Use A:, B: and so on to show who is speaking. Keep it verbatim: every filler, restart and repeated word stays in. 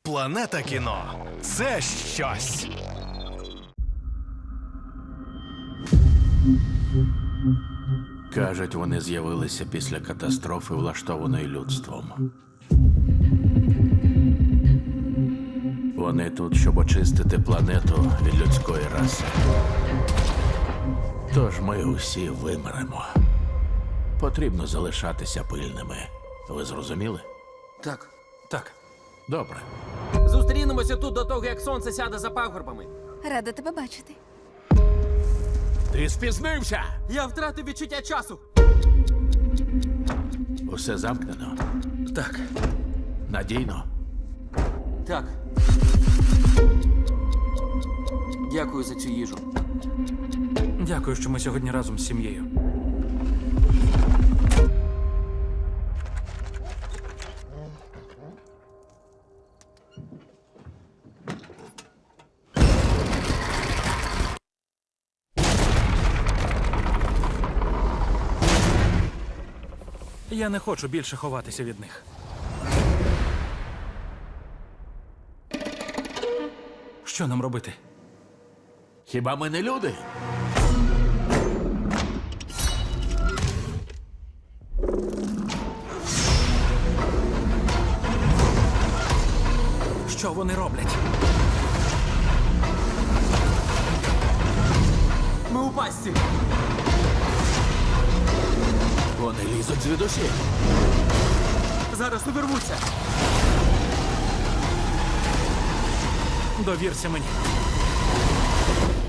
A: Планета кіно – це щось.
B: Кажуть, вони з'явилися після катастрофи, влаштованої людством. Вони тут, щоб очистити планету від людської раси. Тож ми усі вимремо. Потрібно залишатися пильними. Ви зрозуміли?
C: Так.
D: Так.
B: Добре.
C: Зустрінемося тут до того, як сонце сяде за пагорбами.
E: Рада тебе бачити.
B: Ти спізнився!
C: Я втратив відчуття часу.
B: Усе замкнено.
D: Так.
B: Надійно.
C: Так. Дякую за цю їжу.
D: Дякую, що ми сьогодні разом з сім'єю. Я не хочу більше ховатися від них. Що нам робити?
B: Хіба ми не люди?
D: Що вони роблять?
C: Ми у пастці.
B: Вони лізуть звідусіль.
C: Зараз увірвуться.
D: Довірся мені.